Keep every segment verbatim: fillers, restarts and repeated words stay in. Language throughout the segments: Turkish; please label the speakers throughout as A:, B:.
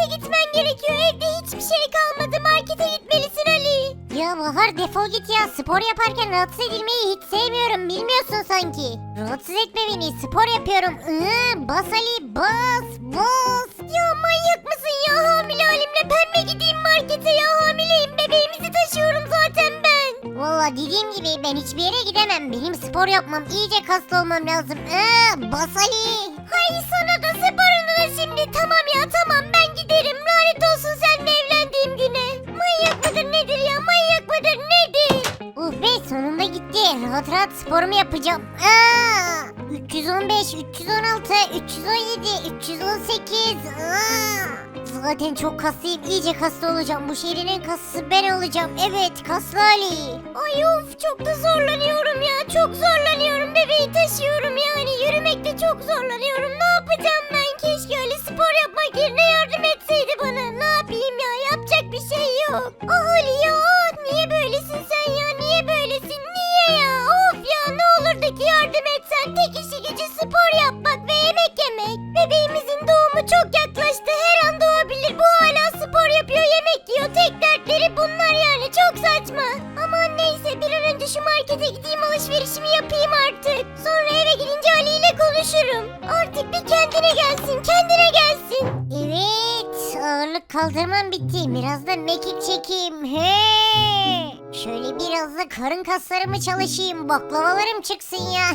A: markete gitmen gerekiyor. Evde hiçbir şey kalmadı. Markete gitmelisin Ali. Ya Bahar defol git ya. Spor yaparken rahatsız edilmeyi hiç sevmiyorum. Bilmiyorsun sanki. Rahatsız etme beni. Spor yapıyorum. Iı, bas Ali bas bas. Ya manyak mısın ya? Hamile halimle ben mi gideyim markete ya? Hamileyim. Bebeğimizi taşıyorum zaten ben. Valla dediğim gibi ben hiçbir yere gidemem. Benim spor yapmam, iyice kaslı olmam lazım. Iı, bas Ali. Hay sana da sporunu da şimdi. Tamam ya tamam ben giderim. Lanet olsun seninle evlendiğim güne. Manyak mıdır nedir ya? Manyak mıdır nedir? Uh be sonunda gitti. Rahat rahat sporumu yapacağım. Aa, üç yüz on beş, üç yüz on altı, üç yüz on yedi, üç yüz on sekiz. Aa. Zaten çok kaslıyım. İyice kaslı olacağım. Bu şehrin en kaslısı ben olacağım. Evet kaslı Ali. Ay of çok da zorlanıyorum ya. Çok zorlanıyorum. Bebeği taşıyorum yani. Yürümekte çok zorlanıyorum. Ne yapacağım ben? Keşke öyle spor yapmak yerine yardım etseydi bana. Ne yapayım ya? Yapacak bir şey yok. Ah Ali ya. Niye böylesin sen ya? Niye böylesin? Niye ya? Of ya ne olur da ki yardım etsen. Tek işi gücü spor yapmak ve yemek yemek. Bebeğimizin doğumu çok yaklaştı. Her an doğabilir. Bu hala spor yapıyor, yemek yiyor. Tek dertleri bunlar yani. Çok saçma. Aman neyse bir an önce şu markete gideyim alışverişimi yapayım artık. Sonra eve gidince Ali ile konuşurum. Artık bir kendine gelsin. Kendine gelsin. Evet. Ağırlık kaldırmam bitti. Biraz da mekik çekeyim. He. Şöyle biraz da karın kaslarımı çalışayım. Baklavalarım çıksın ya.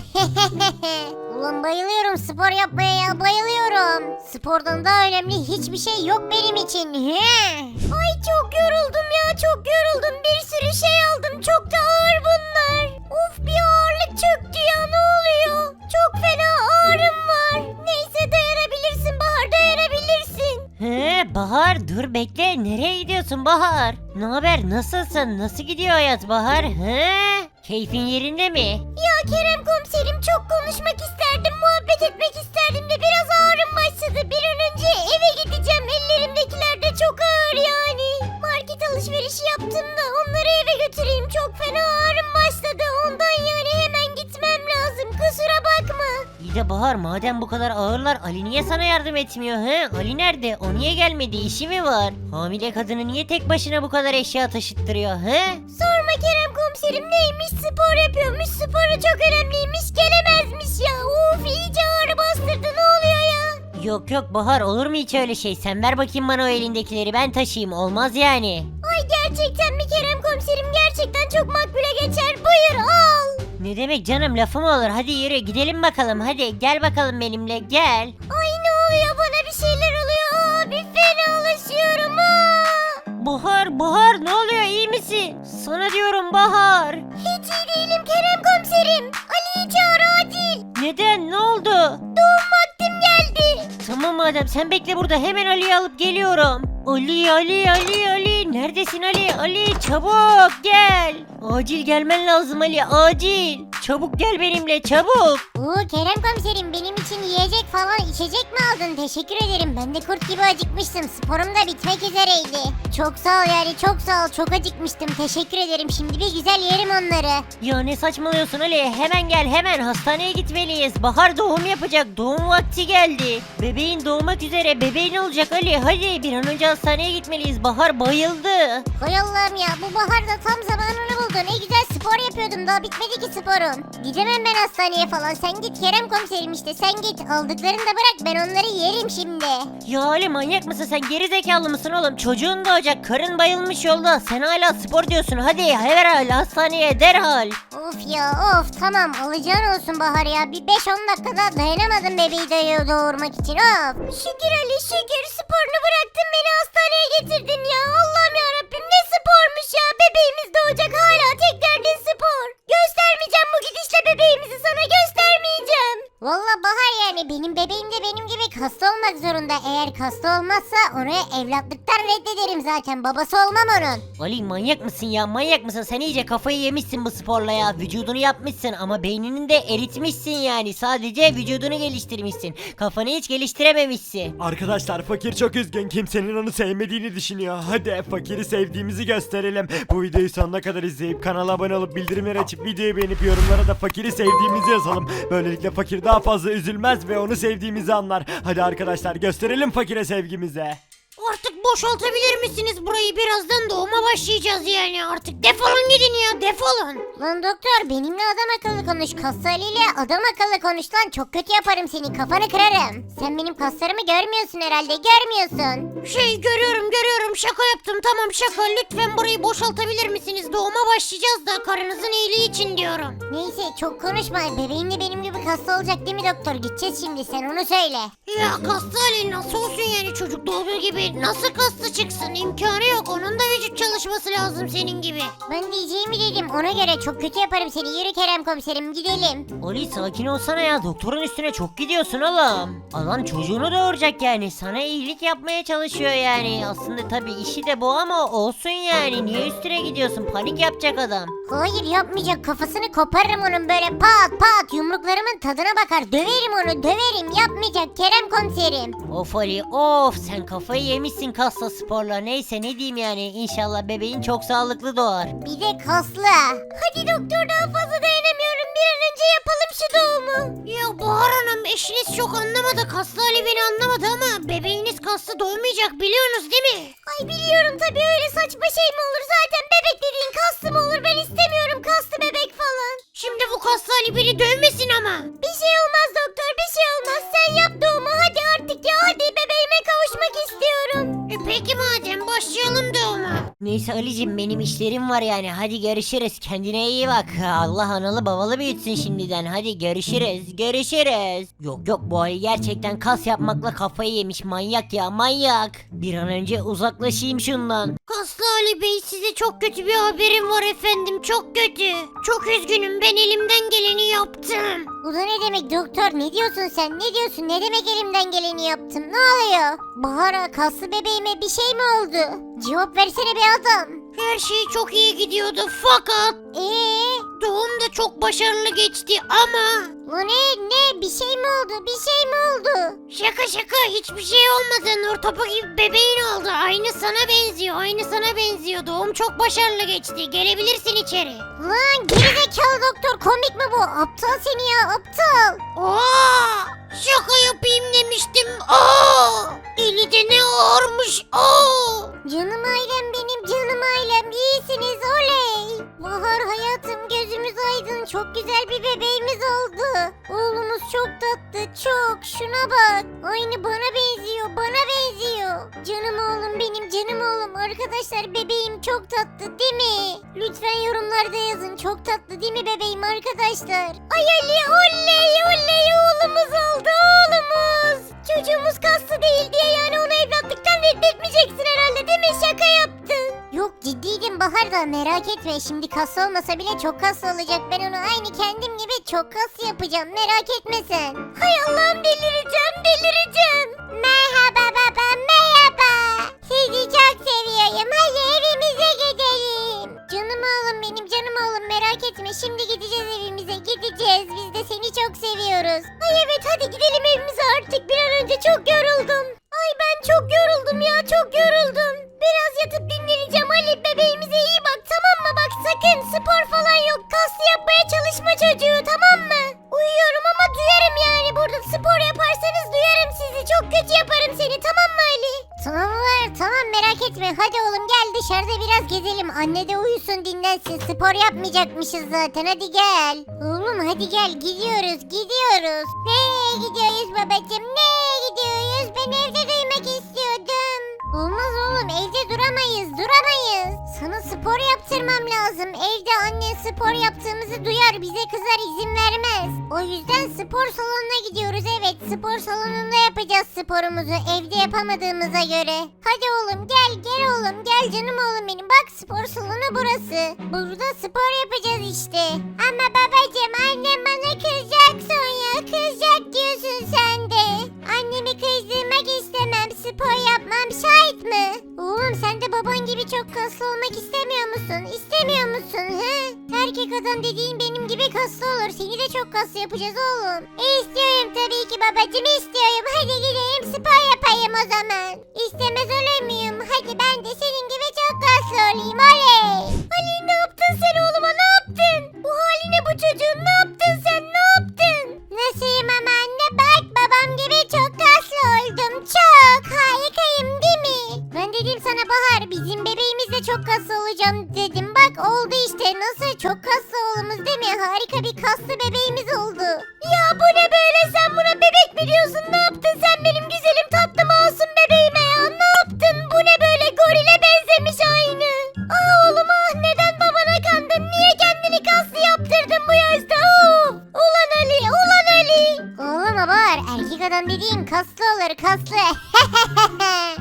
A: Ulan bayılıyorum spor yapmaya ya bayılıyorum. Spordan daha önemli hiçbir şey yok benim için. He. Ay çok yoruldum ya çok yoruldum. Bir sürü şey aldım. Çok da ağır bunlar. Of bir ağırlık çöktü ya ne oluyor? Çok fena ağrım var. Neyse dayanabilirsin Bahar dayanabilirsin.
B: He Bahar dur bekle nereye gidiyorsun Bahar? Ne haber nasılsın nasıl gidiyor hayat Bahar? He? Keyfin yerinde mi?
A: Ya Kerem komiserim çok konuşmak isterdim, muhabbet etmek isterdim de biraz ağrım başladı. Bir an önce eve gideceğim. Ellerimdekiler de çok ağır yani. Market alışverişi yaptım da onları eve götüreyim. Çok fena ağrım başladı. Ondan yani hemen gitmem lazım. Kusura bakma.
B: İyi de Bahar madem bu kadar ağırlar Ali niye sana yardım etmiyor he? Ali nerede? O niye gelmedi? İşi mi var? Hamile kadını niye tek başına bu kadar eşya taşıttırıyor he?
A: Sorma Kerem komiserim neymiş spor yapıyormuş. Sporu çok önemliymiş gelemezmiş ya. Uf iyice ağrı bastırdı ne oluyor ya?
B: Yok yok Bahar olur mu hiç öyle şey? Sen ver bakayım bana o elindekileri ben taşıyayım olmaz yani.
A: Ay gerçekten mi Kerem komiserim gerçekten çok makbule geçer. Buyur al.
B: Ne demek canım lafı mı olur? Hadi yürü gidelim bakalım hadi gel bakalım benimle gel.
A: Ay ne oluyor bana bir şeyler oluyor. Abi fenalaşıyorum ha.
B: Bahar Bahar ne oluyor iyi misin? Sana diyorum Bahar.
A: Hiç iyi değilim Kerem komiserim. Ali'yi çağır acil.
B: Neden ne oldu?
A: Doğum vaktim geldi.
B: Tamam madem sen bekle burada hemen Ali'yi alıp geliyorum. Ali Ali Ali Ali neredesin Ali Ali çabuk gel. Acil gelmen lazım Ali acil. Çabuk gel benimle çabuk.
A: Oo Kerem komiserim benim için yiyecek falan içecek mi aldın? Teşekkür ederim. Ben de kurt gibi acıkmıştım. Sporum da bitmek üzereydi. Çok sağ ol yani çok sağ ol. Çok acıkmıştım. Teşekkür ederim. Şimdi bir güzel yerim onları.
B: Ya ne saçmalıyorsun Ali hemen gel hemen hastaneye gitmeliyiz. Bahar doğum yapacak doğum vakti geldi. Bebeğin doğmak üzere bebeğin olacak Ali hadi bir an önce hastaneye gitmeliyiz. Bahar bayıldı.
A: Hay Allah'ım ya bu bahar da tam zamanını buldu. Ne güzel spor yapıyordum daha bitmedi ki sporum. Gidemem ben hastaneye falan. Sen git Kerem komiserim işte sen git. Aldıklarını da bırak ben onları yerim şimdi.
B: Ya Ali manyak mısın sen geri zekalı mısın oğlum çocuğun doğacak karın bayılmış yolda sen hala spor diyorsun hadi herhal hastaneye derhal.
A: Of ya of tamam alacağın olsun Bahar ya. Bir beş on dakikada dayanamadım bebeği de doğurmak için of. Şükür Ali şükür sporunu bıraktın beni hastaneye getirdin ya. Allah'ım yarabbim ne spormuş ya. Bebeğimiz doğacak hala tek derdin spor. Göstermeyeceğim bu gidişle bebeğimizi sana göstermeyeceğim. Valla Bahar yani benim bebeğim de benim gibi kaslı olmak zorunda. Eğer kaslı olmazsa onu evlatlıktan reddederim zaten. Babası olmam onun.
B: Ali manyak mısın ya manyak mısın sen iyice kafayı yemişsin bu sporla ya vücudunu yapmışsın ama beynini de eritmişsin yani sadece vücudunu geliştirmişsin kafanı hiç geliştirememişsin.
C: Arkadaşlar fakir çok üzgün kimsenin onu sevmediğini düşünüyor. Hadi fakiri sevdiğimizi gösterelim. Bu videoyu sonuna kadar izleyip kanala abone olup bildirimleri açıp videoyu beğenip yorumlara da fakiri sevdiğimizi yazalım. Böylelikle fakir daha fazla üzülmez ve onu sevdiğimizi anlar. Hadi arkadaşlar gösterelim fakire sevgimizi.
D: Artık boşaltabilir misiniz burayı? Birazdan doğuma başlayacağız yani. Artık defolun gidin ya, defolun.
A: Lan doktor benimle adam akıllı konuş. Kaslı Ali ile adam akıllı konuş lan. Çok kötü yaparım seni, kafanı kırarım. Sen benim kaslarımı görmüyorsun herhalde, görmüyorsun.
D: Şey görüyorum görüyorum, şaka yaptım, tamam şaka. Lütfen burayı boşaltabilir misiniz? Doğuma başlayacağız da karınızın iyiliği için diyorum.
A: Neyse çok konuşma. Bebeğin de benim gibi kaslı olacak değil mi doktor? Gideceğiz şimdi, sen onu söyle.
D: Ya kaslı Ali nasıl olsun yani, çocuk doğduğu gibi nasıl kaslı çıksın? İmkanı yok, onun da vücut çalışması lazım senin gibi.
A: Ben diyeceğimi dedim, ona göre çok kötü yaparım seni. Yürü Kerem komiserim, gidelim.
B: Ali sakin olsana ya, doktorun üstüne çok gidiyorsun oğlum. Adam çocuğunu doğuracak yani, sana iyilik yapmaya çalışıyor yani. Aslında tabii işi de bu ama olsun yani, niye üstüne gidiyorsun, panik yapacak adam.
A: Hayır yapmayacak, kafasını koparırım onun böyle pat pat, yumruklarımın tadına bakar, döverim onu döverim. Yapmayacak Kerem komiserim.
B: Of Ali of, sen kafayı yemişsin kasla sporla. Neyse ne diyeyim yani, inşallah bebeğin çok sağlıklı doğar.
A: Bir de kaslı. Hadi doktor, daha fazla dayanamıyorum, bir an önce yapalım şu doğumu.
D: Ya Bahar Hanım, eşiniz çok anlamadı. Kaslı Ali beni anlamadı ama bebeğiniz kaslı doğmayacak, biliyorsunuz değil mi?
A: Ay biliyorum tabii, öyle saçma şey mi olur? Zaten bebek dediğin kaslı mı olur? Ben istemiyorum kaslı bebek falan.
D: Şimdi bu kaslı Ali beni dövmesin ama.
A: Bir şey olmaz doktor, bir şey olmaz. Sen yap doğumu hadi artık ya, hadi bebeğime kavuşmak istiyorum.
D: E peki madem, başlayalım doğuma.
B: Neyse Ali'cim, benim işlerim var yani, hadi görüşürüz, kendine iyi bak. Allah analı babalı büyütsün şimdiden, hadi görüşürüz görüşürüz. Yok yok, bu Ali gerçekten kas yapmakla kafayı yemiş, manyak ya manyak. Bir an önce uzaklaşayım şundan.
D: Kaslı Ali Bey, size çok kötü bir haberim var efendim, çok kötü. Çok üzgünüm, ben elimden geleni yaptım.
A: Bu da ne demek doktor? Ne diyorsun sen? Ne diyorsun? Ne demek elimden geleni yaptım? Ne oluyor? Bahar'a, kaslı bebeğime bir şey mi oldu? Cevap versene be adam.
D: Her şey çok iyi gidiyordu fakat
A: Eee?
D: doğum da çok başarılı geçti ama...
A: Bu ne? Ne? Bir şey mi oldu? Bir şey mi oldu?
D: Şaka şaka, hiçbir şey olmadı. Nur topu gibi bebeğin oldu. Aynı sana benziyor, aynı sana benziyor. Doğum çok başarılı geçti. Gelebilirsin içeri.
A: Lan gerizekalı doktor, komik mi bu? Aptal seni ya, aptal.
D: Aa! Şaka yapayım demiştim. Aa! Eli de ne ağırmış. Aa!
A: Canım ailem benim, canım ailem. İyisiniz, oley. Bahar hayatım, gözümüz aydın. Çok güzel bir bebeğimiz oldu. Oğlumuz çok tatlı, çok. Şuna bak. Aynı bana benziyor, bana benziyor. Canım oğlum benim, canım oğlum. Arkadaşlar bebeğim çok tatlı değil mi? Lütfen yorumlarda yazın. Çok tatlı değil mi bebeğim arkadaşlar? Ay Ali, oley oley, oğlumuz oldu, oğlumuz. Çocuğumuz kaslı değil diye yani onu evlatlıktan reddetmeyeceksin herhalde değil mi? Şaka yaptın. Yok ciddiydim Bahar da, merak etme. Şimdi kaslı olmasa bile çok kaslı olacak. Ben onu aynı kendim gibi çok kaslı yapacağım. Merak etme sen. Hay Allah'ım, delireceğim delireceğim. Merhaba baba, merhaba. Sizi çok seviyorum. Hadi evimize gidelim. Canım oğlum benim, canım oğlum, merak etme. Şimdi gideceğiz evimize, gideceğiz. Biz de seni çok seviyoruz. Ay evet, hadi gidelim evimize artık. Bir an önce, çok yoruldum. Ay ben çok yoruldum ya, çok yoruldum. Biraz yatıp dinleneceğim Ali. Bebeğimize iyi bak, tamam mı? Bak sakın spor falan yok. Kaslı yapmaya çalışma çocuğu, tamam mı? Uyuyorum ama duyarım yani. Burada spor yaparsanız duyarım sizi. Çok kötü yaparım seni, tamam mı Ali? Tamam var, tamam, merak etme. Hadi oğlum gel, dışarıda biraz gezelim. Anne de uyusun, dinlensin. Spor yapmayacakmışız zaten, hadi gel. Oğlum hadi gel, gidiyoruz gidiyoruz. Nereye gidiyoruz babacığım, nereye gidiyoruz? Ben evde duymak istiyordum. Olmaz oğlum, evde duramayız duramayız. Sana spor yaptırmam lazım. Evde annen spor yaptığımızı duyar, bize kızar, izin vermez. O yüzden spor salonuna gidiyoruz. Evet, spor salonunda yapacağız sporumuzu, evde yapamadığımıza göre. Hadi oğlum gel gel oğlum gel, canım oğlum benim. Bak spor salonu burası. Burada spor yapacağız işte. Ama babacığım, annem bana kızacak sonra. Kızacak diyorsun sen de. Annemi kızdırmak istemem. Spor yapmam şart mı? Oğlum sen de baban gibi çok kaslı olmak istemiyor musun? İstemiyor musun he? Erkek adam dediğin benim gibi kaslı olur. Seni de çok kaslı yapacağız oğlum. İstiyorum tabii ki babacığım, istiyorum. Hadi gidelim spor yapayım o zaman. İstemez olur muyum? Hadi ben de senin gibi çok kaslı olayım, oley. Ali ne yaptın sen oğluma, ne yaptın? Bu haline bu çocuğun, ne yaptın sen, ne yaptın? Nasılyım ama anne, bak babam gibi çok kaslı oldum. Çok harikayım değil mi? kaslı olacağım dedim. Bak oldu işte. Nasıl? Çok kaslı oğlumuz değil mi? Harika bir kaslı bebeğimiz oldu. Ya bu ne böyle? Sen buna bebek mi diyorsun? Ne yaptın sen benim güzelim tatlı masum bebeğime ya? Ne yaptın? Bu ne böyle? Gorile benzemiş aynı. Ah oğlum ah, neden babana kandın? Niye kendini kaslı yaptırdın bu yaşta? Of! Ulan Ali, ulan Ali. Oğlum var. Erkek adam dediğin kaslı olur, kaslı.